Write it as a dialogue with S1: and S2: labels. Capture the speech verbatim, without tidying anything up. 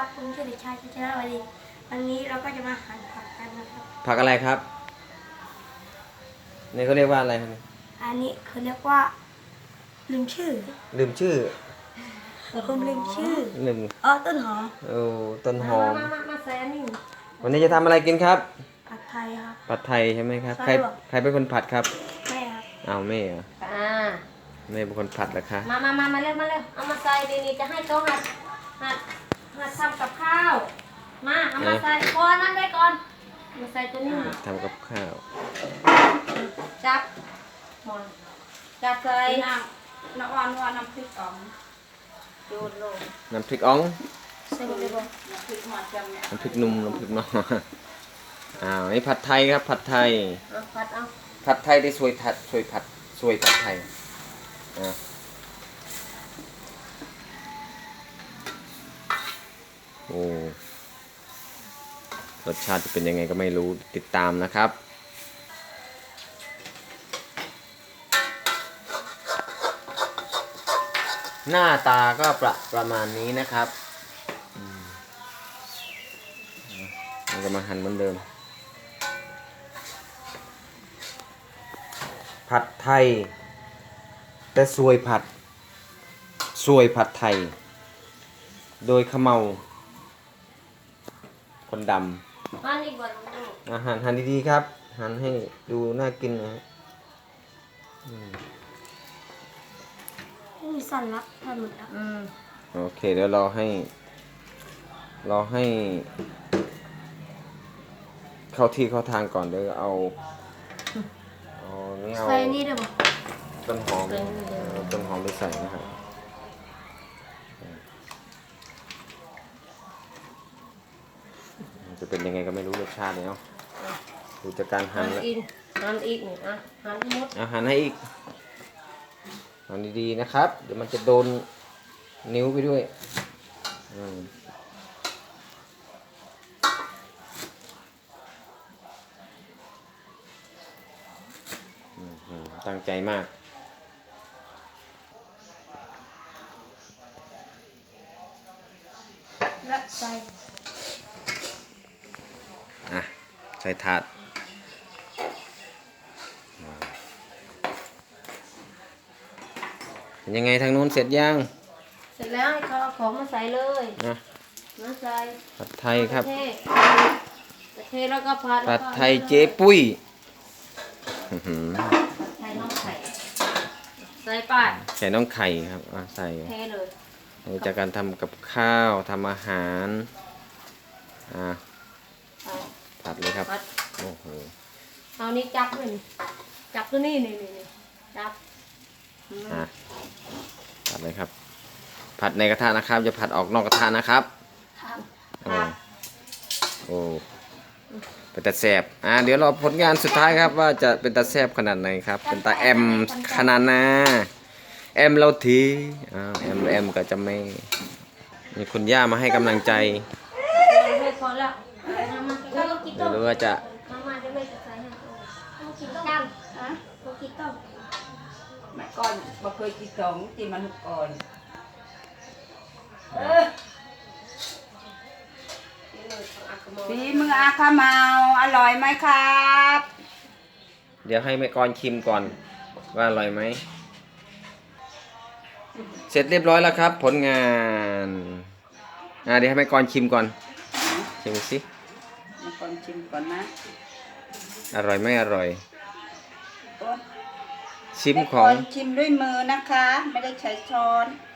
S1: ครับผมชื่อเด็กชายชัชนาวดีวันนี้เราก็จะมาหั่นผักกันนะครับ
S2: ผักอะไรครับนี่เขาเรียกว่าอะไรครับ
S1: อันนี้เขาเรียกว่าลืมชื่อ
S2: ลืมชื่อ
S1: ผมลืมชื่อ
S2: ลืม
S1: อ๋อต้นหอม
S2: โอ้ต้นหอม
S1: มามามาแซนนี่
S2: วันนี้จะทำอะไรกินครับ
S1: ผัดไทยครับ
S2: ผัดไทยใช่ไหมครับใครใครเป็นคนผัดครับ
S1: แม่ครับ
S2: เอาแม่เหรอ
S3: อ่า
S2: แม่เป็นคนผัดเหรอคะ
S3: มามามามาเร็วมาเร็วเอามาใส่ดีนี่จะให้โต๊ะหัดหัดหัดทำกับข้าวมาเอามาใส่พอนั่นได้ก่อนมาใส่ตัวนี้
S2: ทำกับข้าว
S3: จับหมอนจับใส่
S1: น้ำน้ำอ่อนว่าน้ำพริกอ่อง
S3: โยนลง
S2: น้ำพริกอ่อง
S1: ใส่เลยบ่
S3: น้ำพริกหมดจำเนี่ย
S2: น้ำพริกนุ่มน้ำพริกน้อยอ้าวนี่ผัดไทยครับผัดไทย
S3: เอาผัดเอา
S2: ผัดไทยได้สวยผัดสวยผัดสวยผัดไทยอ่าโอ้รสชาติจะเป็นยังไงก็ไม่รู้ติดตามนะครับหน้าตาก็ประประมาณนี้นะครับเราจะมาหั่นเหมือนเดิมผัดไทยแต่ซวยผัดซวยผัดไทยโดยขมเมาคนดำ
S3: หั่นอีกบ่ลูก
S2: อาหารหั่นดีๆครับหั่นให้ดูน่ากินนะ
S1: มีสั่นละทำหมดแล้ว
S3: อืม
S2: โอเคเดี๋ยวรอให้รอให้เข้าที่เข้าทางก่อนเดี๋ยวเอาเอานี่เอา
S1: ใส่นี่ได้ป่ะ
S2: ต้นหอมต้นหอมไปใส่นะครับจะเป็นยังไงก็ไม่รู้รสชาติเนาะดูจากการหั่นแล้ว
S3: หั่นอีกนี่อ่ะหั่นหมด
S2: อาหารให้อีกหั่นดีๆนะครับเดี๋ยวมันจะโดนนิ้วไปด้วยอืมตั้งใจมาก
S1: และใส่
S2: อ่ะใส่ถาดเป็นยังไงทางนู้นเสร็จยัง
S3: เสร็จแล้วให้เขาเอาของมาใส่เลย
S2: นะ
S3: มาใส่
S2: ผัดไทยครับ
S3: ผัดไทยแล้วก็ผัด
S2: ผัดไทยเจ๊ปุ้ย
S3: ใส่น้องไข่ใส่ป้าย
S2: ใส่น้องไข่ครับใส่
S3: เทเลย
S2: ดูจากการทำกับข้าวทำอาหารอ่าผัดเลยครับโอ้โห
S3: เอานี้จับเลยจับตัวนี้นี่นี่จับ
S2: อ่าผัดเลยครับผัดในกระทะนะครับอย่าผัดออกนอกกระทะนะครับโอ้โอ้เป็นตาแสบอ่าเดี๋ยวรอผลงานสุดท้ายครับว่าจะเป็นตาแสบขนาดไหนครับเป็นตาแอมขนาดนาแอมเราทีอ่าแอมแอมก็จะไม่มีคุณย่ามาให้กำลังใจเดี๋ยวรู้ว่าจะ
S4: ไม่ก่อนบ่เคยกินสองกินมันก่อนฝีมืออาคาเมาอร่อยไหมครับ
S2: เดี๋ยวให้แม่กรชิมก่อนว่าอร่อยไหมเสร็จเรียบร้อยแล้วครับผลงานอ่าเดี๋ยวให้แม่กรชิมก่อนชิมสิ
S4: แม่กรชิมก่อนนะ
S2: อร่อยไม่อร่อยชิมของ
S4: ชิมด้วยมือนะคะไม่ได้ใช้ช้อน